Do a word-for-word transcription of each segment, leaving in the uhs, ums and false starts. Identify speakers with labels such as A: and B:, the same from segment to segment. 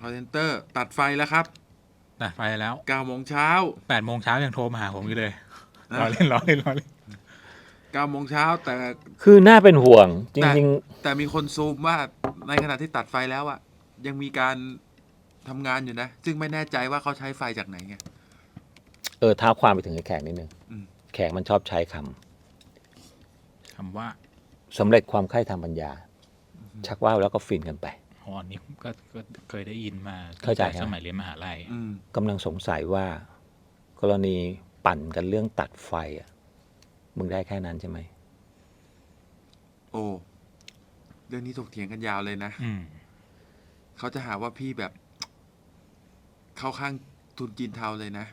A: call center ตัดไฟแล้วครับ
B: ตัดไฟแล้ว
A: เก้าโมงเช้า
B: แปดโมงเช้ายังโทรมาหาผมอยู่เลยรอเล่นรอเล่นรอเล่น
A: เก้าโมงเช้าแต่
C: คือน่าเป็นห่วงจริง
A: ๆแต่มีคนซูมว่าในขณะที่ตัดไฟแล้วอะยังมีการทำงานอยู่นะซึ่งไม่แน่ใจว่าเขาใช้ไฟจากไหนไง
C: เออท้าความไปถึงไอ้แขกนิดนึงแขกมันชอบใช้ค
B: ำคำว่า
C: สำเร็จความใคร่ทางปัญญาชักว่าวแล้วก็ฟินกันไป
B: อ๋อนี่ก็ก็เคยได้ยินมา
C: เข้าใจ
B: สมัยเรียนมหาลัย
C: กำลังสงสัยว่ากรณีปั่นกันเรื่องตัดไฟอ่ะมึงได้แค่นั้นใช่ไหม
A: โอ้เรื่องนี้ถกเถียงกันยาวเลยนะเขาจะหาว่าพี่แบบเข้าข้างทุนจีนเทาเลยนะ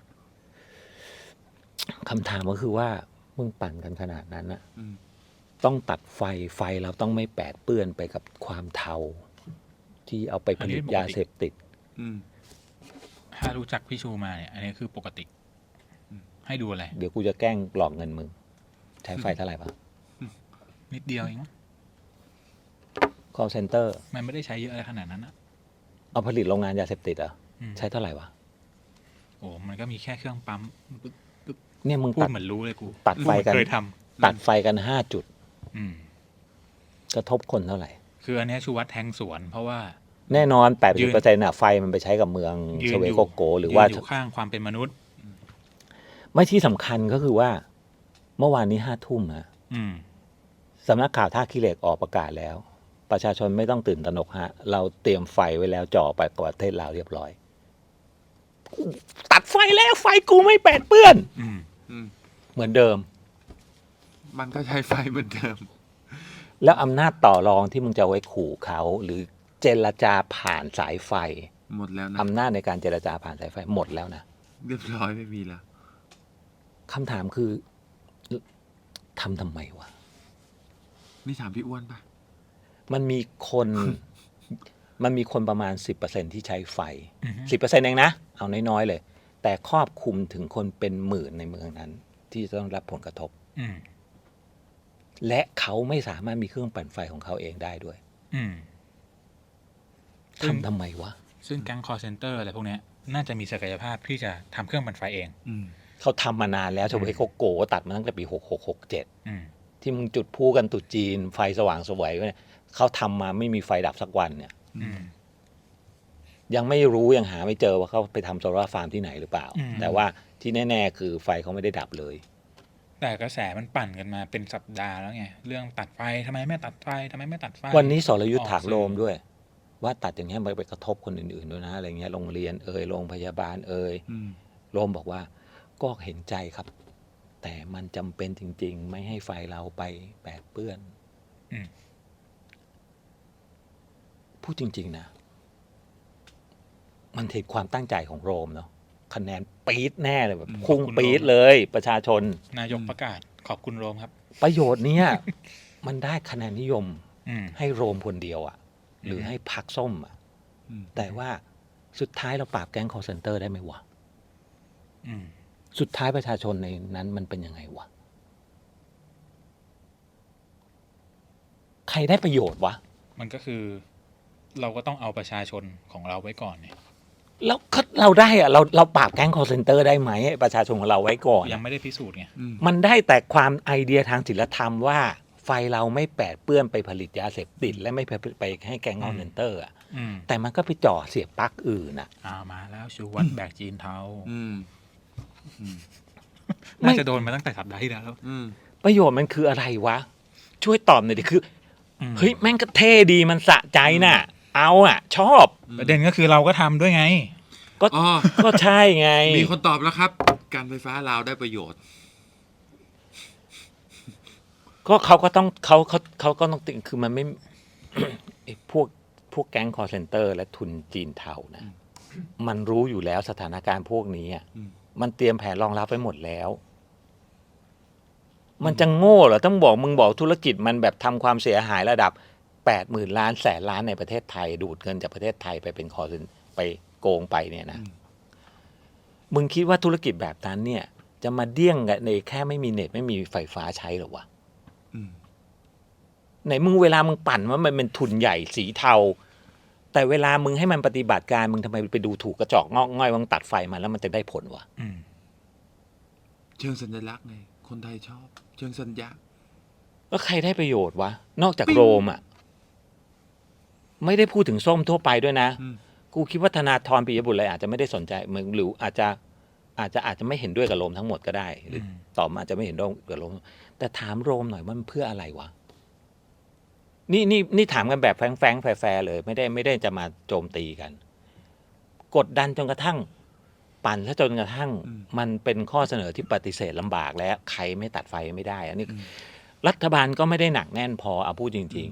C: คำถามก็คือว่ามึงปั่นกันขนาดนั้นนะต้องตัดไฟไฟเราต้องไม่แปดเปื้อนไปกับความเทาที่เอาไปผลิตยาเสพติด
B: ถ้ารู้จักพี่ชูมาเนี่ยอันนี้คือปกติให้ดูอะไร
C: เดี๋ยวกูจะแกล้งหลอกเงินมึงใช้ไฟเท่าไหร่ปะ
B: นิดเดียวเอง
C: call center
B: มันไม่ได้ใช้เยอะอะไรขนาดนั้นนะ
C: เอาผลิตโรงงานยาเสพติดอ่ะใช้เท่าไหร่วะ
B: โอ้มันก็มีแค่เครื่องปั๊ม
C: เนี่ยมึง
B: พูดเหมือนรู้เลยกู
C: ตัดไฟกัน
B: เคยท
C: ำตัดไฟกันห้าจุดกระทบคนเท่าไหร่
B: คืออันนี้ชูวัดแทงสวนเพราะว่า
C: แน่นอน แปดสิบเปอร์เซ็นต์ น่ะไฟมันไปใช้กับเมืองเชเวโกโกหรือว่า
B: อยู่ข้างความเป็นมนุษย์
C: ไม่ที่สำคัญก็คือว่าเมื่อวานนี้ห้าทุ่มฮะสำนักข่าวท่าขี้เหล็กออกประกาศแล้วประชาชนไม่ต้องตื่นตระหนกฮะเราเตรียมไฟไว้แล้วจ่อไปประเทศลาวเรียบร้อยตัดไฟแล้วไฟกูไม่แปดเปื้อนเหมือนเดิม
A: มันก็ใช้ไฟเหมือนเดิม
C: แล้วอำนาจต่อรองที่มึงจะไว้ขู่เขาหรือเจรจาผ่านสายไฟ
A: หมดแล้วนะ
C: อำนาจในการเจรจาผ่านสายไฟหมดแล้วนะ
A: เรียบร้อยไม่มีแล้ว
C: คำถามคือทำทำไมวะ
A: นี่ถามพี่อ้วนปะ
C: มันมีคน มันมีคนประมาณ สิบเปอร์เซ็นต์ ที่ใช้ไฟ สิบเปอร์เซ็นต์ เองนะเอาน้อยๆเลยแต่ครอบคลุมถึงคนเป็นหมื่นในเมืองนั้นที่จะต้องรับผลกระทบและเขาไม่สามารถมีเครื่องปั่นไฟของเขาเองได้ด้วยทำทำไมวะ
B: ซึ่งแก๊ง call center อะไรพวกนี้น่าจะมีศักยภาพที่จะทำเครื่องปั่นไฟเอง
C: เขาทำมานานแล้วชาวเวโกโกตัดมาตั้งแต่ปีหกหก หกเจ็ดที่มึงจุดพูกันตุจีนไฟสว่างสวยเนี่ยเขาทำมาไม่มีไฟดับสักวันเนี่ยยังไม่รู้ยังหาไม่เจอว่าเขาไปทำโซลาร์ฟาร์มที่ไหนหรือเปล่าแต่ว่าที่แน่ๆคือไฟเขาไม่ได้ดับเลย
B: แต่กระแสมันปั่นกันมาเป็นสัปดาห์แล้วไงเรื่องตัดไฟทำไมไม่ตัดไฟทำไมไม่ตัดไฟ
C: วันนี้สรยุทธถากโลมด้วยว่าตัดอย่างนี้มันไปกระทบคนอื่นๆด้วยนะอะไรเงี้ยโรงเรียนเอ่ยโรงพยาบาลเอ่ยโลมบอกว่าก็เห็นใจครับแต่มันจำเป็นจริงๆไม่ให้ไฟเราไปแปดเปื้อนพูดจริงๆนะมันเห็นความตั้งใจของโรมเนาะคะแนนปี๊ดแน่เลยแบบพุ่งปี๊ดเลยประชาชน
B: นายกประกาศขอบคุณโรมครับ
C: ประโยชน์เนี้ยมันได้คะแนนนิยมให้โรมคนเดียวอ่ะหรือให้พรรคส้มอ่ะแต่ว่าสุดท้ายเราปราบแก๊ง call center ได้ไหมวะสุดท้ายประชาชนในนั้นมันเป็นยังไงวะใครได้ประโยชน์วะ
B: มันก็คือเราก็ต้องเอาประชาชนของเราไว้ก่อนเนี่ย
C: แล้วเราได้อะเราเราปราบแก๊ง call center ได้ไหมประชาชนของเราไว้ก่อน
B: ยังไม่ได้พิสูจน์ไง
C: มันได้แต่ความไอเดียทางศิลธรรมว่าไฟเราไม่แปดเปื้อนไปผลิตยาเสพติดและไม่ไปไปให้แก๊ง call center อ่ะแต่มันก็ไปจ่อเสียบปลั๊กอื่นอ่ะ
B: อ่ามาแล้วชูวัดแบกจีนเทาน่าจะโดนมาตั้งแต่สัปดาห์ที่แล้ว
C: ประโยชน์มันคืออะไรวะช่วยตอบหน่อยดิคือเฮ้ยแม่งก็เท่ดีมันสะใจน่ะเอาอ่ะชอบ
B: ประเด็นก็คือเราก็ทำด้วยไง
C: ก็ก็ใช่ไง
A: มีคนตอบแล้วครับการไฟฟ้าลาวได้ประโยชน์
C: ก็เขาก็ต้องเขาเขาเขาก็ต้องติคือมันไม่ พวกพวกแก๊ง call center และทุนจีนเทานะมันรู้อยู่แล้วสถานการณ์พวกนี้อ่ะมันเตรียมแผนรองรับไว้หมดแล้วมันจะโง่เหรอต้องบอกมึงบอกธุรกิจมันแบบทำความเสียหายระดับแปดหมื่นล้านแสนล้านในประเทศไทยดูดเงินจากประเทศไทยไปเป็นคอร์เซนไปโกงไปเนี่ยนะมึงคิดว่าธุรกิจแบบนั้นเนี่ยจะมาเดี้ยงในแค่ไม่มีเน็ตไม่มีไฟฟ้าใช้หรอวะไหนมึงเวลามึงปั่นว่ามันเป็นทุนใหญ่สีเทาแต่เวลามึงให้มันปฏิบัติการมึงทำไมไปดูถูกกระจอกงอกง่อยว่ามึงตัดไฟมันแล้วมันจะได้ผลวะ
B: อืม
A: เชิงสัญลักษณ์ไงคนไทยชอบ เชิงสัญญา
C: แล้วใครได้ประโยชน์วะนอกจาก
A: ปิ๊ง
C: โรมอ่ะไม่ได้พูดถึงส้มทั่วไปด้วยนะ
A: อืม
C: กูคิดว่าธนาธรปิยบุตรอะไรอาจจะไม่ได้สนใจมึงหรืออาจจะอาจจะอาจจะไม่เห็นด้วยกับโรมทั้งหมดก็ได้หรือ
B: อืม
C: ต่อมาอาจจะไม่เห็นด้วยกับโรมแต่ถามโรมหน่อยว่ามันเพื่ออะไรวะนี่นี่นี่ถามกันแบบแฟงๆแฟร์ๆเลย ไม่ได้ไม่ได้จะมาโจมตีกัน กดดันจนกระทั่ง ปั่นซะจนกระทั่ง
A: อืม
C: มันเป็นข้อเสนอที่ปฏิเสธลำบากแล้วใครไม่ตัดไฟไม่ได้ อันนี้
A: อืม
C: รัฐบาลก็ไม่ได้หนักแน่นพอเอาพูดจริง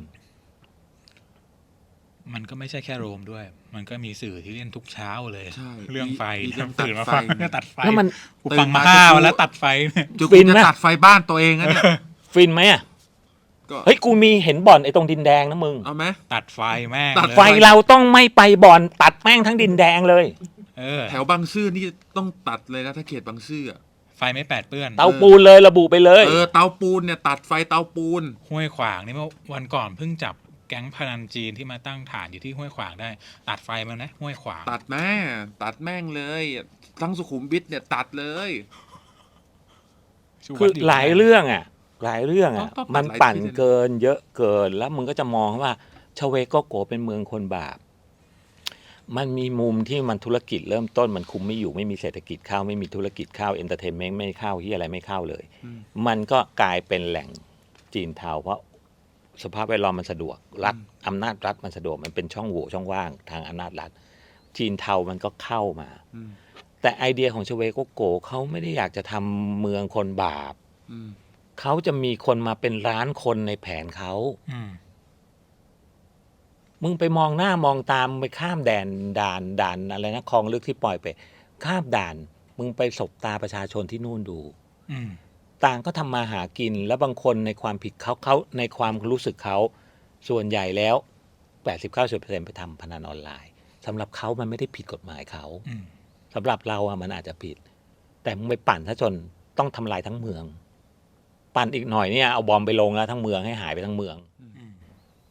B: มันก็ไม่ใช่แค่โรมด้วย มันก็มีสื่อที่เล่นทุกเช้าเลย
A: ใช่
B: เรื่องไฟ
A: มีเรื่อง
B: ตื่นมา
A: ตัดไฟ
B: ฟังเรื่องตัดไฟ
C: ๆ แล้วมัน
B: กูฟังมา
A: ตื่นมา
B: ห้า
A: จะ
B: วันแล้วตัดไฟเนี่ย
A: จุ
C: ฟิ
A: กู
C: น
A: จะ
C: ไหม
A: ตัดไฟบ้านตัวเองนั่นเนี่ย
C: ฟินไหมอ่ะ
A: ก็
C: เฮ้ยกูมีเห็นบ่อนไอ้ตรงดินแดงนะมึง
A: เอาไหม
B: ตัดไฟแม่ง
A: ตัด
B: เลย
C: ไฟเราต้องไม่ไปบ่อนตัดแม่งทั้งดินแดงเลย
B: เออ
A: แถวบางซื่อนี่ต้องตัดเลยนะถ้าเขตบางซื่ออะ
B: ไฟไม่แปดเปื้อน
C: เตาปูนเลยระบุไปเลย
A: เออเตาปูนเนี่ยตัดไฟเตาปูน
B: ห้วยขวางนี่เมื่อวันก่อนเพิ่งจับแก๊งพนันจีนที่มาตั้งฐานอยู่ที่ห้วยขวางได้ ตัดไฟมันนะห้วยขวาง
A: ตัดแม่ตัดแม่งเลยทั้งสุขุมวิทเนี่ยตัดเลย
B: ชู
C: คือ
B: วัด
C: หลายเรื่องอ่ะ หลายเรื่องอ่ะ
A: ต้องต้อง
C: มัน
A: หลาย
C: ปั่น
A: ที่เลยนะ
C: เกินเยอะเกิน แล้วมึงก็จะมองว่าชเวโกโกเป็นเมืองคนบาป มันมีมุมที่มันธุรกิจเริ่มต้นมันคุมไม่อยู่ไม่มีเศรษฐกิจเข้าไม่มีธุรกิจเข้าเอนเตอร์เทนเมนต์ไม่เข้าที่อะไรไม่เข้าเลย
A: อืม
C: มันก็กลายเป็นแหล่งจีนเทาเพราะสภาพแวดล้อมมันสะดวกรัฐอำนาจรัฐมันสะดวกมันเป็นช่องโหว่ช่องว่างทางอำนาจรัฐ จีนเทามันก็เข้ามา
A: อืม
C: แต่ไอเดียของชเวโกโกเขาไม่ได้อยากจะทำเมืองคนบาป
A: อืม
C: เขาจะมีคนมาเป็นล้านคนในแผนเขา
B: อืม
C: มึงไปมองหน้ามองตามไปข้ามแดนด่านด่านอะไรนะคลองลึกที่ปล่อยไป ข้ามด่าน มึงไปสบตาประชาชนที่นู่นดู
B: อืม
C: ต่างก็ทำมาหากินแล้วบางคนในความผิดเขาเขาในความรู้สึกเขาส่วนใหญ่แล้ว แปดสิบเก้าสิบเปอร์เซ็นต์ ไปทำพนันออนไลน์สำหรับเขามันไม่ได้ผิดกฎหมายเขา
B: อืม
C: สำหรับเราอะมันอาจจะผิด แต่มึงไปปั่นซะจนต้องทำลายทั้งเมือง ปั่นอีกหน่อยเนี่ยเอาบอมไปลงแล้วทั้งเมืองให้หายไปทั้งเมือง
B: อืม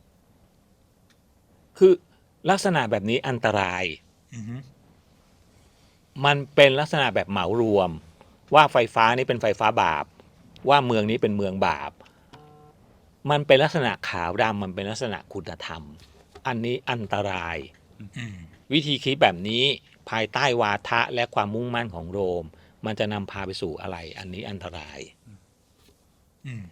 C: คือลักษณะแบบนี้อันตราย
B: อืม
C: มันเป็นลักษณะแบบเหมารวม ว่าไฟฟ้านี้เป็นไฟฟ้าบาป ว่าเมืองนี้เป็นเมืองบาป มันเป็นลักษณะขาวดำมันเป็นลักษณะคุณธรรม อันนี้อันตราย
B: อืม
C: วิธีคิดแบบนี้ภายใต้วาทะและความมุ่งมั่นของโรม มันจะนำพาไปสู่อะไร อันนี้อันตราย
B: อืม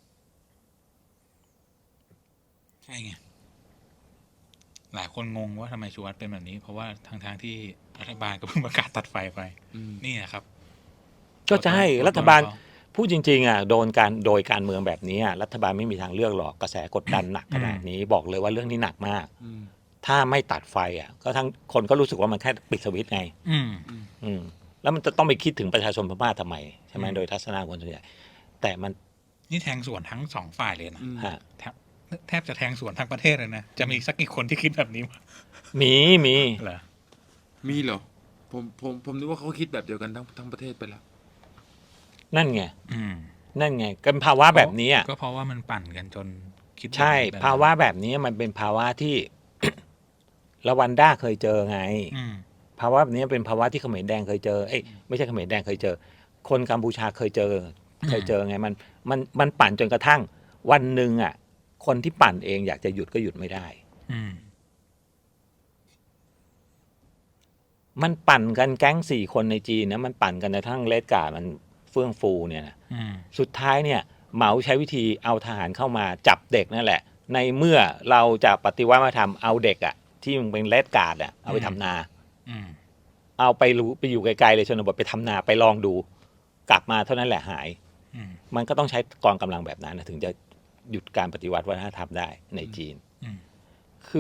B: ใช่ไง หลายคนงงว่าทำไมชูวัฒน์เป็นแบบนี้ เพราะว่าทางทางๆที่รัฐบาลก็เพิ่งประกาศตัดไฟไป
A: อืม
B: นี่นะครับ
C: ก็จะให้
B: กดดัน
C: รัฐบาล
B: เขา
C: พูดจริงๆอ่ะโดนการโดยการเมืองแบบนี้อ่ะรัฐบาลไม่มีทางเลือกหรอกกระแสกดดันหนักขนาดนี้บอกเลยว่าเรื่องนี้หนักมาก
A: อืม
C: ถ้าไม่ตัดไฟอ่ะก็ทั้งคนก็รู้สึกว่ามันแค่ปิดสวิตช์ไง
B: อืม
C: อืมแล้วมันจะต้องไปคิดถึงประชาชนพม่าทำไมใช่ไหม
B: อืม
C: โดยทัศนะคนส่วนใหญ่แต่มัน
B: นี่แทงสวนทั้งสองฝ่ายเลยนะ
A: อืม
C: ฮะ
B: แทบแทบจะแทงสวนทั้งประเทศเลยนะ จะมีสักกี่คนที่คิดแบบนี้มั้ย
C: มีมี
B: เหรอ
A: มีเหรอ ผมผมผมนึกว่าเขาคิดแบบเดียวกันทั้งทั้งประเทศไปแล้ว
C: นั่นไง
B: อืม
C: นั่นไงกันภาวะแบบนี้อ่ะ
B: ก็เพราะว่ามันปั่นกันจนคิดแบบ
C: ใช่
B: นี้ไปแล้ว
C: ภาวะแบบนี้มันเป็นภาวะที่ ละวันด้าเคยเจอไง
B: อืม
C: ภาวะแบบนี้เป็นภาวะที่เขมรแดงเคยเจอเอ้ยไม่ใช่เขมรแดงเคยเจอ คนกัมพูชาเคยเจอ เคยเจอไงมันมันมันปั่นจนกระทั่ง วันหนึ่งอ่ะ คนที่ปั่นเองอยากจะหยุดก็หยุดไม่ได้
B: อืม
C: มันปั่นกันแก๊งสี่คนในจีนนะมันปั่นกันในทั้งเลดการ์ดมันเฟื่องฟูเนี่ยนะ
B: อืม
C: สุดท้ายเนี่ยเหมาใช้วิธีเอาทหารเข้ามาจับเด็กนั่นแหละ ในเมื่อเราจะปฏิวัติวัฒนธรรมเอาเด็กอะที่มันเป็นเลดการ์ดอะเอาไปทำนา
B: อืม
C: เอาไปรู้ไปอยู่ไกลๆเลยชนบทไปทำนาไปลองดู กลับมาเท่านั้นแหละหาย
B: อืม
C: มันก็ต้องใช้กองกำลังแบบนั้นนะถึงจะหยุดการปฏิวัติวัฒนธรรมได้ในจีน
B: อืม
C: คื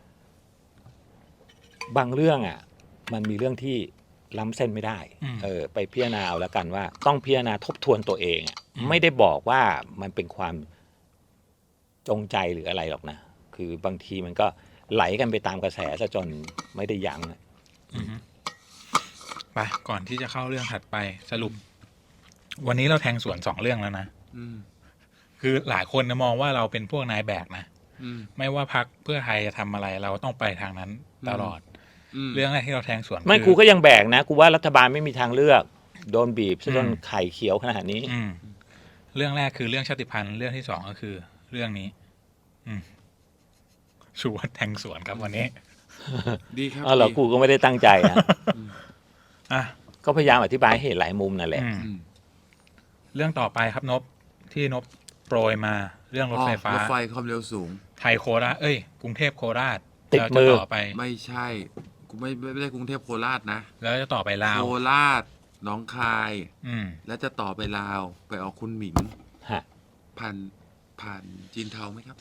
C: อบางเรื่องอ่ะ มันมีเรื่องที่ล้ำเส้นไม่ได้
B: อืม
C: เออ ไปพิจารณาเอาแล้วกันว่า ต้องพิจารณาทบทวนตัวเองอะ
B: อืม
C: ไม่ได้บอกว่ามันเป็นความจงใจหรืออะไรหรอกนะ คือบางทีมันก็ไหลกันไปตามกระแสซะจนไม่ได้ยั้งอะ
B: อืมไปก่อนที่จะเข้าเรื่องถัดไปสรุป วันนี้เราแทงสวนสองเรื่องแล้วนะ
A: อืม
B: คือหลายคนนะมองว่าเราเป็นพวกนายแบกนะ
A: อืม
B: ไม่ว่าพรรคเพื่อไทยจะทำอะไรเราต้องไปทางนั้นตลอด
A: ม
B: เรื่องแรกที่เราแทงสวน
C: ไม่
B: คือ
C: กูก็ยังแบกนะกูว่ารัฐบาลไม่มีทางเลือกโดนบีบซะจน
B: อืม
C: ไข่เขียวขนาดนี้
B: อืมเรื่องแรกคือเรื่องชาติพันธุ์เรื่องที่สองก็คือ เรื่องนี้ อืมชูวัฒน์แทงสวนครับวันนี้
A: ดีครับ
C: อ๋อเหรอ
A: ดี
C: กูก็ไม่ได้ตั้งใจนะ
B: อ่ะ
C: ก็พยายามอธิบายให้เห็นหลายมุมนั่นแหละ
B: อืม
A: อืม
B: เรื่องต่อไปครับนบที่นบโปรยมาเรื่องรถไฟฟ้า
A: อ๋อรถไฟความเร็วสูง
B: ไทยโคราชเอ้ยกรุงเทพโคราช
C: ติด
B: แล้ว
C: มื
B: จะ
C: อ
B: ต่อไป
A: ไม่ใช่ กูไม่ไม่ไม่ได้กรุงเทพโคราชนะ
B: แล้วจะต่อไปลาว
A: โคราชหนองคาย
B: อืม
A: แล้วจะต่อไปลาว ไปออกคุณหมิง
C: ฮะ
A: ผ่านผ่านจีนเทาไหมครับ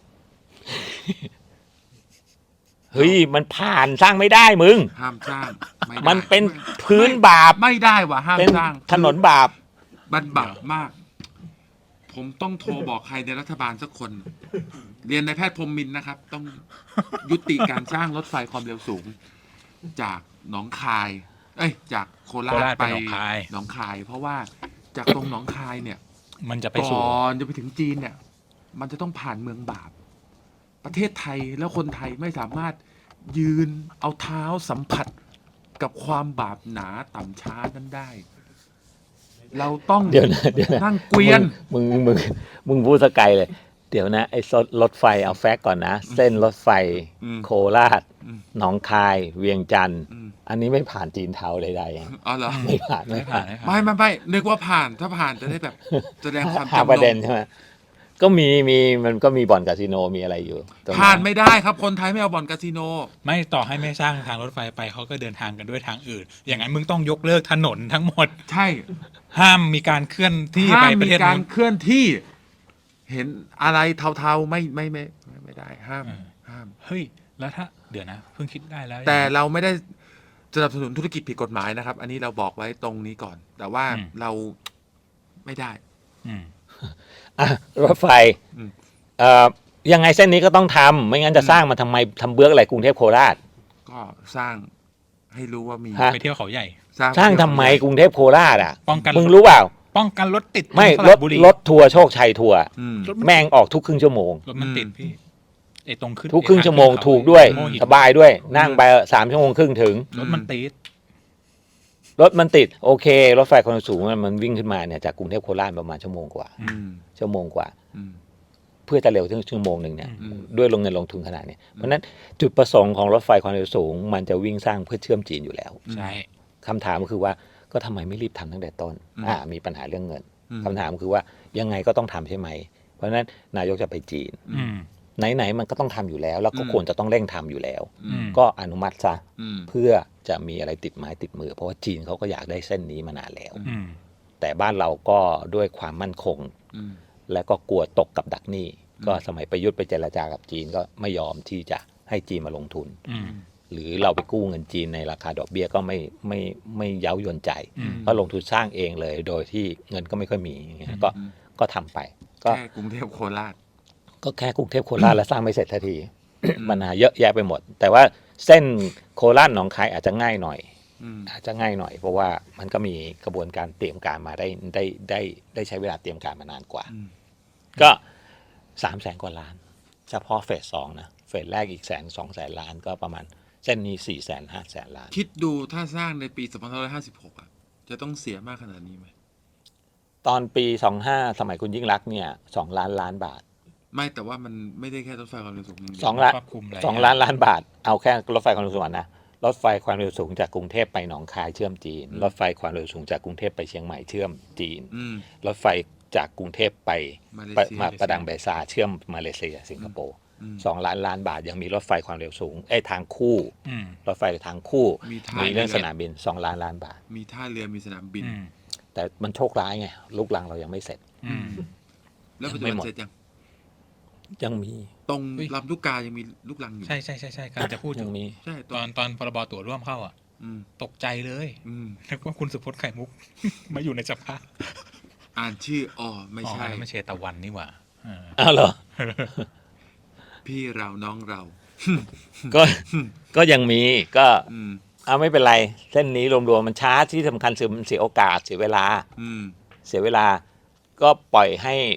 C: เฮ้ยมันผ่านสร้างไม่ได้มึง
A: ห้ามสร้างไได้
C: มันเป็น
A: ไม่
C: พื้นบาป
A: ไม่ได้ว่ะห้าม
C: เป็น
A: สร้าง
C: ถนนบาป
A: บันบาปมาก ผมต้องโทรบอกใครในรัฐบาลสักคน เรียนนายแพทย์พรหมมินทร์นะครับ ต้องยุติการสร้างรถไฟความเร็วสูง จากหนองคาย เอ้ย จากโครา
B: โค
A: ช
B: ราชไป
A: ไป
B: หนองคาย
A: หนองคาย เพราะว่าจากตรงหนองคายเนี่ย
B: มันจะไป
A: ก่
B: สู่
A: อนจะไปถึงจีนเนี่ย มันจะต้องผ่านเมืองบาป ประเทศไทยแล้วคนไทยไม่สามารถยืนเอาเท้าสัมผัสกับความบาปหนาต่ำช้านั้นได้ เราต้อง
C: เดี๋ยวนะเดี๋ยวนะ
A: นั่งเกวียน
C: มึงมึงมึงมึงพูดสกายเลย เดี๋ยวนะไอ้รถไฟเอาแฟกก่อนนะ เส้นรถไฟ
A: อืม
C: โคราช
A: อืม
C: หนองคาย เวียงจันทร์
A: อืม
C: อันนี้ไม่ผ่านจีนเทาใดๆอะ
A: อ๋อเหรอ
C: ไม่ผ่านไม่
B: ไม่
C: ผ่า
B: ผ่าน นไม่ผ่าน
A: ไม่ไม่ไม่นึกว่าผ่าน ถ้าผ่านจะได้แบบ แสดงความ
C: หา
A: จำ
C: ประ
A: น
C: เด็น
A: ง
C: ใช่ไหมก็มีมีมันก็มีบ่อนคาสิโนมีอะไรอยู่ตรง
A: ผ่านไม่ได้ครับ คนไทยไม่เอาบ่อนคาสิโน
B: ไม่ต่อให้ไม่สร้างทางรถไฟไปเขาก็เดินทางกันด้วยทางอื่น อย่างนั้นมึงต้องยกเลิกถนนทั้งหมด
A: ใช่
B: ห้ามมีการเคลื่อนที่
A: ห้า
B: ไป
A: ม
B: ประ
A: มี
B: เทศ
A: การ
B: นู้น
A: เคลื่อนที่ เห็นอะไรเทาๆไม่ไม่ไม่ไม่ไม่ได้ ห้าม
B: อืม
A: ห้าม
B: เฮ้ย แล้วถ้าเดี๋ยวนะเพิ่งคิดได้แล้ว
A: แต่เราไม่ได้สนับสนุนธุรกิจผิดกฎหมายนะครับ อันนี้เราบอกไว้ตรงนี้ก่อน แต่ว่าเราไม่ได้
B: อืม
C: อ่ะรถไฟ
A: อืม
C: เอ่อยังไงเส้นนี้ก็ต้องทำไม่งั้นจะสร้างมาทำไมทำเบื้องอะไรกรุงเทพโคราช
A: ก็สร้างให้รู้ว่ามี
C: ฮะ
B: ไปเที่ยวเขาใหญ่
C: สร้างทำไมกรุงเทพโคราชอ่ะ
B: ป้องกัน
C: มึงรู้เปล่า
B: ป้องกันรถติด
C: ไม่
B: ส
C: ร
B: ระ
C: ถ
B: บุรี
C: รถทัวร์โชคชัยทัวร์
A: อืม
B: รถมัน
C: แม่งออกทุกครึ่งชั่วโมง
B: รถมันติด
A: อืม
B: พี่ไอ้ตรงขึ้น
C: ทุกครึ่ง
B: ไอ้
C: ชั่วโมง
B: ทาขึ้นเขา
C: ถูกด้วย
B: โมหิน
C: สบายด้วย นั่งไปสามชั่วโมงครึ่งถึง
B: รถมันติด
C: รถมันติดโอเค รถไฟความเร็วสูงมันมันวิ่งขึ้นมาเนี่ยจากกรุงเทพโคราชประมาณชั่วโมงกว่า
A: อืม
C: ชั่วโมงกว่า
A: อืม
C: เพื่อจะเร็วถึงชั่วโมงหนึ่งเนี่ย
A: อืม
C: ด้วยลงเงินลงทุนขนาดเนี้ยเพราะฉะนั้นจุดประสงค์ของรถไฟความเร็วสูง มันจะวิ่งสร้างเพื่อเชื่อมจีนอยู่แล้ว
B: ใช่
C: คำถามก็คือว่าก็ทำไมไม่รีบทำตั้งแต่ต้น
A: อืม
C: อ่ามีปัญหาเรื่องเงิน
A: อืม
C: คำถามคือว่ายังไงก็ต้องทำใช่ไหม เพราะฉะนั้นนายกจะไปจีน
B: อืม
C: ไหนๆมันก็ต้องทำอยู่แล้ว แล้วก็
A: อืม
C: ควรจะต้องเร่งทำอยู่แล้ว
A: อืม
C: ก็อนุมัติซะ
A: อืม
C: เพื่อจะมีอะไรติดไม้ติดมือ เพราะว่าจีนเขาก็อยากได้เส้นนี้มานานแล้ว
B: อืม
C: แต่บ้านเราก็ด้วยความมั่นคง
A: อืม
C: และก็กลัวตกกับดักหนี้
A: อืม
C: ก็สมัยประยุทธ์ไปเจรจากับจีนก็ไม่ยอมที่จะให้จีนมาลงทุน
B: อืม
C: หรือเราไปกู้เงินจีนในราคาดอกเบี้ยก็ไม่ไม่ไม่เย้ายวนใจ
B: อืม
C: ก็ลงทุนสร้างเองเลย โดยที่เงินก็ไม่ค่อยมีอย่างเงี้ยก็
A: อืม
C: ก็ทำไป ก็
A: แค่กรุงเทพโคราช
C: ก็แค่กรุงเทพโคราชแล้วสร้างไม่เสร็จทันทีปัญหาเยอะแยะไปหมด แต่ว่าเส้นโคราชหนองคายอาจจะง่ายหน่อย
A: อืม
C: อาจจะง่ายหน่อย เพราะว่ามันก็มีกระบวนการเตรียมการมาได้ได้ได้ได้ใช้เวลาเตรียมการมานานกว่า
A: อืม
C: ก็สามแสนกว่าล้าน เฉพาะเฟสสองนะเฟสแรกอีกแสนสองแสนล้านก็ประมาณเส้นนี้สี่แสนห้าแสนล้าน
A: คิดดูถ้าสร้างในปีสองพันห้าร้อยห้าสิบหกอ่ะ จะต้องเสียมากขนาดนี้ไหม
C: ตอนปีสองห้าสมัยคุณยิ่งรักษณ์เนี่ยสองล้านล้านบาท
A: ไม่แต่ว่ามันไม่ได้แค่รถไฟความเร็วสูงย่าเดียว
C: สองล้าน
B: ครอบคลุมหลาย
C: สอง
B: อย่าง
C: ล้านล้านบาท เอาแค่รถไฟความเร็วสูงก่อนนะรถไฟความเร็วสูงจากกรุงเทพไปหนองคายเชื่อมจีน รถไฟความเร็วสูงจากกรุงเทพไปเชียงใหม่เชื่อมจีน
A: อืม
C: รถไฟจากกรุงเทพไป
A: มาเล
C: ไป
A: เซีย
C: มาประดังเบซาเชื่อมมาเลเซียสิงคโปร์
A: อืม
C: สองล้านล้านบาทยังมีรถไฟความเร็วสูงไอ้ยทางคู่
B: อืม
C: รถไฟทางคู่
A: มีท่า
C: มีเรื่อง
A: เรือ
C: สนามบินสองล้านล้านบาท
A: มีท่าเรือมีสนามบิน
B: อืม
C: แต่มันโชคร้ายไงลูกรังเรายังไม่เสร็จ
B: อืม
A: แล้วปัจจุ
C: ไม่
A: บัน
C: หมด
A: เสร็จยัง
C: ยังมี
A: ตรง
B: เฮ้ย
A: ลำลูกกายังมีลูกลังอยู่
B: ใช่ใช่ใช่ใช่กำลังจะพูดอ
C: ยั
B: ยู่
C: งมี
A: ใช่ต
B: ต
A: ร
B: อง นตอนพรบตั๋วร่วมเข้าอ่ะ
A: อืม
B: ตกใจเลย
A: อืม
B: นึกว่าคุณสุพจน์ไข่มุก มาอยู่ในสภา
A: อ่านชื่ออ๋อไม่
B: อ๋อ
A: ใช่
B: อันนั้นไม่ใช่ตะวันนี่หว่าเออ
C: อ้าวเหรอ
A: พี่เราน้องเรา
C: ก็ก็ยังมีก็
A: อืม
C: เอาไม่เป็นไร เส้นนี้รวมๆมันช้าที่สำคัญคือมันเสียโอกาสเสียเวลา
A: อืม
C: เสียเวลาก็ปล่อยให้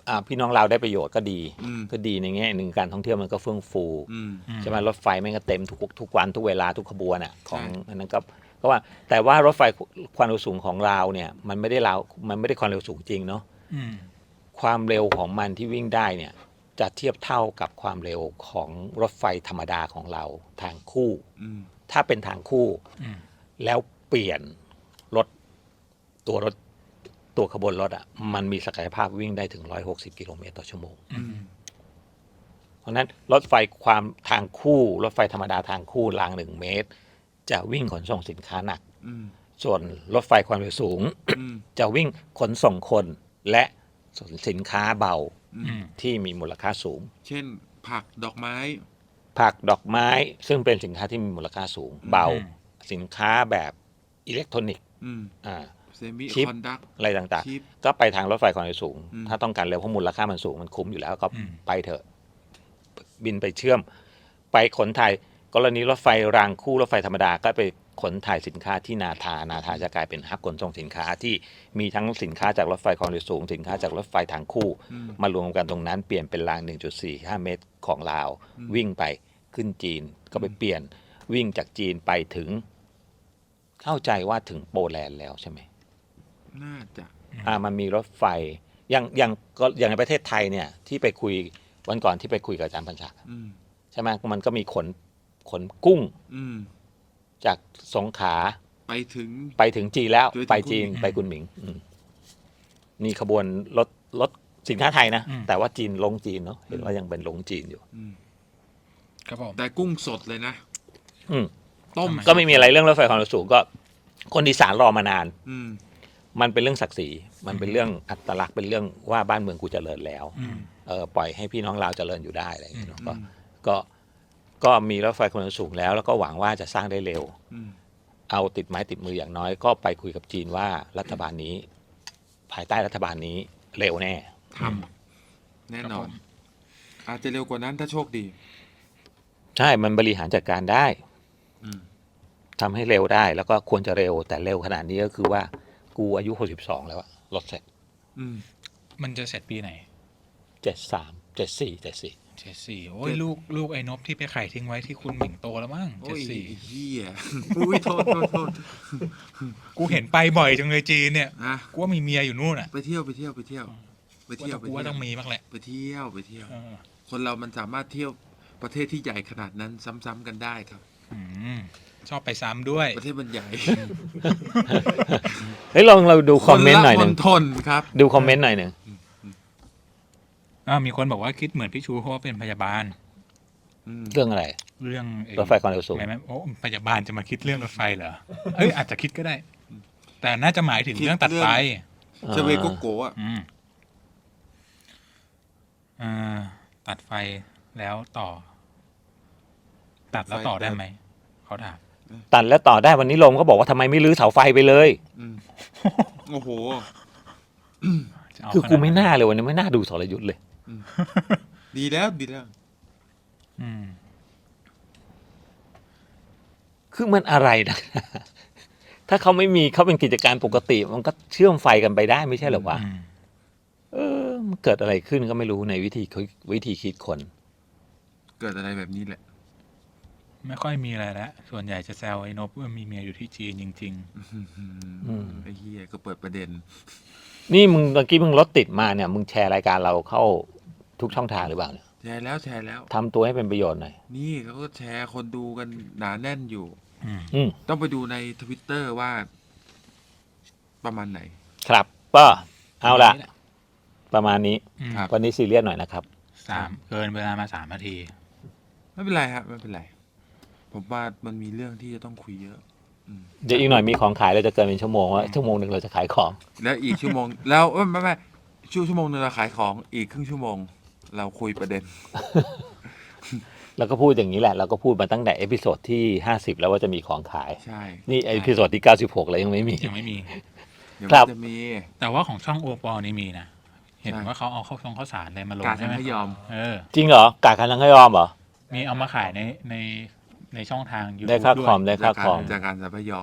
C: อ่าพี่น้องเราได้ประโยชน์ก็ดี
A: อืม
C: ก็ดีในแง่หนึ่งการท่องเที่ยวมันก็เฟื่องฟู
A: อืม
B: อืม
C: ใช่ไหมรถไฟมันก็เต็มทุกทุกวันทุกเวลาทุกขบวนอ่ะของ
A: ใช่
C: อันนั้นก็ก็ว่าแต่ว่ารถไฟความเร็วสูงของเราเนี่ยมันไม่ได้เรามันไม่ได้ความเร็วสูงจริงเนาะ
B: อืม
C: ความเร็วของมันที่วิ่งได้เนี่ยจะเทียบเท่ากับความเร็วของรถไฟธรรมดาของเราทางคู่
A: อืม
C: ถ้าเป็นทางคู่
B: อืม
C: แล้วเปลี่ยนรถตัวรถตัวขบวนรถอ่ะมันมีศักยภาพวิ่งได้ถึงหนึ่งร้อยหกสิบกิโลเมตรต่อชั่วโมง
B: อืม
C: เพราะฉะนั้นรถไฟความทางคู่รถไฟธรรมดาทางคู่รางหนึ่งเมตร จะวิ่งขนส่งสินค้าหนัก
A: อืม
C: ส่วนรถไฟความเร็วสูง
A: อืม
C: จะวิ่งขนส่งคนและสินค้าเบา
A: อื
B: อื
A: ม
B: ม
C: ที่มีมูลค่าสูง
A: เช่น ผักดอกไม้
C: ผักดอกไม้ซึ่งเป็นสินค้าที่มีมูลค่าสูง เบา
B: อืม
C: สินค้าแบบอิเล็กทรอนิกส์
A: อืม
C: อ่า
A: เซมิ
C: ชิป
A: คอนดัก
C: อะไรต่าง
A: ชิป
C: ๆ ก็ไปทางรถไฟความเร็วสูง
A: อืม
C: ถ้าต้องการเร็วเพราะมูลค่ามันสูงมันคุ้มอยู่แล้วก็
B: อืม
C: ไปเถอะ บินไปเชื่อม ไปขนถ่ายกรณีรถไฟรางคู่รถไฟธรรมดาก็ไปขนถ่ายสินค้าที่นาทานาทาจะกลายเป็นฮับขนส่งสินค้าที่มีทั้งสินค้าจากรถไฟความเร็วสูง สินค้าจากรถไฟทางคู่
A: อืม
C: มารวมกันตรงนั้นเปลี่ยนเป็นราง หนึ่งจุดสี่ห้า เมตรของลาว
A: อืม
C: วิ่งไปขึ้นจีนก็ไปเปลี่ยนวิ่งจากจีนไปถึง เข้าใจว่าถึงโปแลนด์แล้วใช่ไหม
A: น่าจะ
C: อ่ามันมีรถไฟอย่างอย่างก็อย่างในประเทศไทยเนี่ยที่ไปคุยวันก่อนที่ไปคุยกับอาจารย์พันศักดิ์
A: อืม
C: ใช่ไหมมันก็มีขนขนกุ้ง
A: อืม
C: จากสงขลา
A: ไปถึง
C: ไปถึงจีนแล้ว
A: ไปถึง
C: ไปจีน
A: กุนหมิง
C: ไปกุนหมิงอืมมีขบวนรถรถสินค้าไทยนะ
B: อืม
C: แต่ว่าจีนลงจีนเนาะเห็นว่ายังเป็นลงจีนอยู่
A: อืม
B: ครับผม
A: แต่กุ้งสดเลยนะ
C: อืม
A: ต้ม
C: ก็ไม่มีอะไรเรื่องรถไฟความเร็วสูงก็ คนอีสานรอมานาน
A: อืม
C: มันเป็นเรื่องศักดิ์ศรีมันเป็นเรื่องอัตลักษณ์เป็นเรื่องว่าบ้านเมืองกูเจริญแล้ว
B: อืม
C: เออปล่อยให้พี่น้องเราวเจริญอยู่ได้อะไรอย่างเงี้ยเนาะ
A: อื
C: ก็
A: ม
C: ก็ก็มีรถไฟความเร็วสูงแล้ว แล้วก็หวังว่าจะสร้างได้เร็ว
A: อืม
C: เอาติดไม้ติดมืออย่างน้อย ก็ไปคุยกับจีนว่ารัฐบาลนี้ ภายใต้รัฐบาลนี้เร็วแน่
A: ทำแน่นอน อาจจะเร็วกว่านั้นถ้าโชคดี
C: ใช่มันบริหารจัดการได้
A: อืม
C: ทำให้เร็วได้ แล้วก็ควรจะเร็ว แต่เร็วขนาดนี้ก็คือว่ากูอายุหกสิบสองแล้วอะรถเสร็จ
A: อืม
B: มันจะเสร็จปีไหน
C: เจ็ดสามเจ็ดสี่เจ็ดสี่
B: เจ็ดสี่โอ้ยลูกลูกไอ้นบที่ไปไข่ทิ้งไว้ที่คุณหมิงโตแล้วมั้ง
A: โอ้
B: เจ็ด
A: ย
B: สี่
A: ไอ้เฮียอุ้ยโทษโทษโทษ
B: กูเห็นไปบ่อยจังเลยจีนเนี่ย
A: อ่ะ
B: กูว่ามีเมียอยู่นู่นอ่ะ
A: ไปเที่ยวไปเที่ยวไปเที่ยว ไปเที่ยวไป
B: กู
A: เที่
B: ว่า
A: ยว
B: ต้องมีบ้างแหละ
A: ไปเที่ยวไปเที่ยว
B: เออ
A: คนเรามันสามารถเที่ยวประเทศที่ใหญ่ขนาดนั้นซ้ำๆกันได้ครับ
B: อืมชอบไปซ้ำด้วย
A: ประเทศมันใหญ่
C: เฮ้ยลองเราดูคอมเมนต์หน่อยหนึ่ง
A: คละมณฑลครับ
C: ดูคอมเมนต์หน่อยหนึ่ง
B: อ่ามีคนบอกว่าคิดเหมือนพี่ชูเพราะว่าเป็นพยาบาล
A: อืม
C: เรื่องอะไร
B: เรื่องอ้
C: รถไฟความเร็วสูง
B: ไม่ไม่โอ้พยาบาลจะมาคิดเรื่องรถไฟเหรอ เอ้ยอาจจะคิดก็ได้ แต่น่าจะหมายถึงเรื่องตัดไฟ
A: เชเวโกโกะอ่ะ
B: อืมอ่าตัดไฟแล้วต่อ ตัดแล้วต่อได้ไหม เขาถาม
C: ตัดแล้วต่อได้วันนี้ลมก็บอกว่าทำไมไม่รื้อเสาไฟไปเลย
A: อืมโอ้โห
B: จะเา
C: คือกูไม่
B: ขด
C: น่าเลยวันนี้ไม่น่าดูสรยุทธ์เลย
A: ดีแล้วดีแล้ว
B: อืม
C: คือมันอะไรนะ ถ้าเขาไม่มีเขาเป็นกิจการปกติ มันก็เชื่อมไฟกันไปได้ไม่ใช่เหรอวะ
B: อืม
C: เออมันเกิดอะไรขึ้นก็ไม่รู้ในวิธีวิธีคิดคน
A: เกิดอะไรแบบนี้แหละ
B: ไม่ค่อยมีอะไรแล้ว ส่วนใหญ่จะแซวไอ้นบว่ามีเมียอยู่ที่จีนจริง
C: อืม
A: ไอ้เฮียก็เปิดประเด็น
C: นี่มึงเมื่อกี้มึงรถติดมาเนี่ยมึงแชร์รายการเราเข้าทุกช่องทางหรือเปล่าเนี่ย
A: แชร์แล้วแชร์แล้ว
C: ทำตัวให้เป็นประโยชน์หน่อย
A: นี่เขาก็แชร์คนดูกันหนาแน่นอยู่
B: ๆ อืม
C: อืม
A: ต้องไปดูในทวิตเตอร์ว่า ประมาณไหน
C: ครับก็เอาละ
B: นี่แห
C: ประมาณนี้
B: อืม
A: ครับ
C: วันนี้ซีเรียสหน่อยนะครับ
B: สามเกินเวลามาสามนาที
A: ไม่เป็นไรครับไม่เป็นไร ผมว่ามันมีเรื่องที่จะต้องคุยเยอะ อืม
C: เดี๋ยวอีกหน่อยมีของขายเราจะเกินเป็นชั่วโมงว่าชั่วโมงหนึ่งเราจะขายของ
A: แล้วอีกชั่วโมง แล้วเอ้ยไม่ไม่ชั่วชั่วโมงหนึงเราขายของอีกครึ่งชั่วโมง เราคุยประเด็น
C: แล้วก็พูดอย่างนี้แหละเราก็พูดมาตั้งแต่เอพิโซดที่ห้าสิบแล้วว่าจะมีของขาย
A: ใช่
C: นี่เอพิโซดที่เก้าสิบหกแล้วยังไม่มี
B: ยังไม่มี
A: เดี๋ยว
C: ครั
A: มั
C: บ
A: นจะมี
B: แต่ว่าของช่องโอปอนี่มีนะ เห็น
A: ใช่
B: ว่าเขาเอาข้าวซองข้าวสารอะไรมาลง
A: การ
B: ใช่ไหม
A: ทำให้ยอม
B: เออ
C: จริงเหรอกาคันทั้งให้ยอมเหรอ
B: มีเอามาขายในในในช่องทางยูทูบ
C: ได้ค่า
B: ด้ว
C: คอม
B: ย
C: ได้ค่าคอม
A: จากการสัมพยอม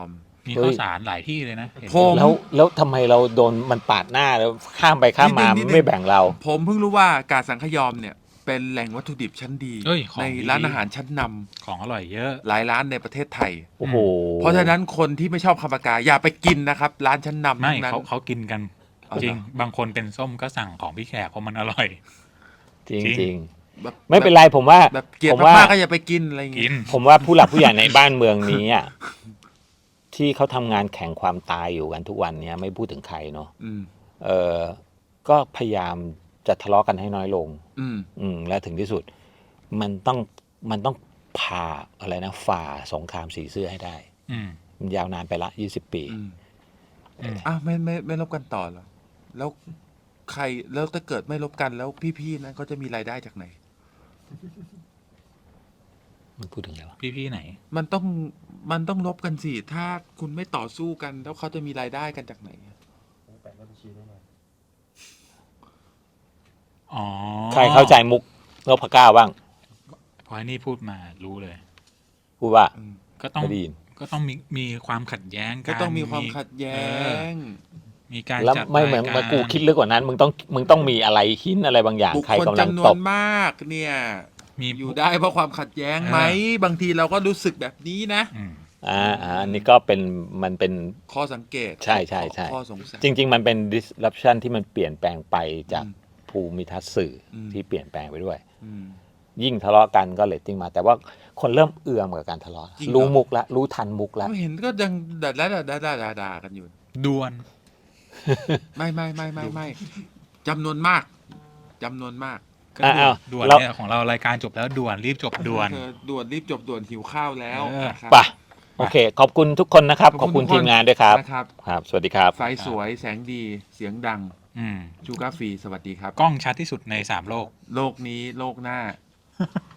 B: มีข้าวสารหลายที่เลยนะเห็น
A: ผม
C: แล้วแล้วทำไมเราโดนมันปาดหน้าแล้วข้ามไปข้ามมา
A: นิดนึงนิดนึง
C: ไม่แบ่งเรา
A: ผมเพิ่งรู้ว่ากาดสังขยอมเนี่ย เป็นแหล่งวัตถุดิบชั้นดี
B: เอ้ยของ
A: ใน
B: ดี
A: ร้านอาหารชั้นนำ
B: ของอร่อยเยอะ
A: หลายร้านในประเทศไทย
C: โอ้โห
A: เพราะฉะนั้นคนที่ไม่ชอบคำปากาอย่าไปกินนะครับ ร้านชั้นนำ
B: ไม่
A: ทั้งนั้น
B: เขาเขากินกัน
A: เอาเหรอ
B: จริง บางคนเป็นส้มก็สั่งของพี่แขกเพราะมันอร่อย
C: จริง
B: จริง
C: จริง
A: แบบ
C: ไม่เป็นไรผมว่า
A: แบบเกลียด
C: ผมว่า
A: มากๆก็อย่าไปกินอะไรอย่าง
B: กิ
A: เงี้ย
B: น
C: ผมว่าผู้หลักผู้ใหญ่ในบ้านเมืองนี้อ่ะที่เขาทำงานแข่งความตายอยู่กันทุกวันเนี้ยไม่พูดถึงใครเนาะ
A: อืม
C: เออก็พยายามจะทะเลาะกันให้น้อยลง
A: อืม
C: อืมและถึงที่สุด มันต้องมันต้องผ่าอะไรนะฝ่าสงครามสีเสื้อให้ได้
B: อืม
C: มันยาวนานไปละยี่สิบปี
A: อืม
B: อืม
A: อ่ะไม่ไม่ไม่ลบกันต่อเหรอแล้วใครแล้วถ้าเกิดไม่ลบกันแล้วพี่ๆนั้นก็จะมีรายได้จากไหน
C: มันพูดถึงอะไรวะ
B: พี่ๆไหน
A: มันต้องมันต้องลบกันสิถ้าคุณไม่ต่อสู้กัน แล้วเขาจะมีรายได้กันจากไหน
B: อ๋อ
C: ใครเข้าใจมุกนพเก้าบ้าง
B: พอไอ้นี่พูดมารู้เลย
C: พูดว่า
A: อืม
B: ก็ต้อง
C: ไม่ได้ยิน
B: ก็ต้องมีมีความขัดแย้ง
A: ก็
B: กัน
A: ต้องมีความขัดแย้ง
B: มีการ
C: แล้ว
B: จัด
C: ไม่เหมือน
B: ราย
C: เหมือนกูคิดลึกกว่านั้น มึงต้องมึงต้องมีอะไรหินอะไรบางอย่าง
A: บุค
C: ใคร
A: คล
C: กำลัง
A: จำน
C: ต
A: วน
C: บ
A: มาก เนี่ย
B: มี
A: อยู่ได้เพราะความขัดแย้งไหม บางทีเราก็รู้สึกแบบนี้นะ
B: อืม
C: อ่าอ่าอันนี้ก็เป็นมันเป็น
A: ข้อสังเกต
C: ใช่ใช่ใช่
A: ข้อสงสัย
C: จริง ๆ มันเป็น disruption ที่มันเปลี่ยนแปลงไปจาก
A: อืม
C: ภูมิทัศน์สื่ออ
A: ม
C: ที่เปลี่ยนแปลงไปด้วย
A: อืม
C: ยิ่งทะเลาะกันก็เลตติ้งมา แต่ว่าคนเริ่มเอื่อมกับการทะเลาะ
A: จริงเหรอ
C: รู้มุกละรู้ทันมุกละ
A: ไม่เห็นก็ยังด่าด่าด่าด่าด่าด่ากันอยู่
B: ดวน
A: ไม่ไม่ไม่ไม่ไม่จำนวนมากจำนวนมาก
B: ก็
C: อ่ะเอา
B: ด่วน
C: เรา
B: เนี่ยของเรารายการจบแล้วด่วนรีบจบด่วน
A: เออด่วนรีบจบด่วนหิวข้าวแล้ว
B: เออ
A: นะครับ
C: ไป่ะ โอเค ขอบคุณทุกคนนะครับ ขอบคุณ
A: ทุก
C: ทีมงานด้วยครับ
A: นะครับ
C: ครับ สวัสดีครับ
A: ไฟสวยแสงดีเสียงดัง
B: อืม
A: ชูการ์ฟรีสวัสดีครับ
B: กล้องชัดที่สุดในสามโลก
A: โลกนี้โลกหน้า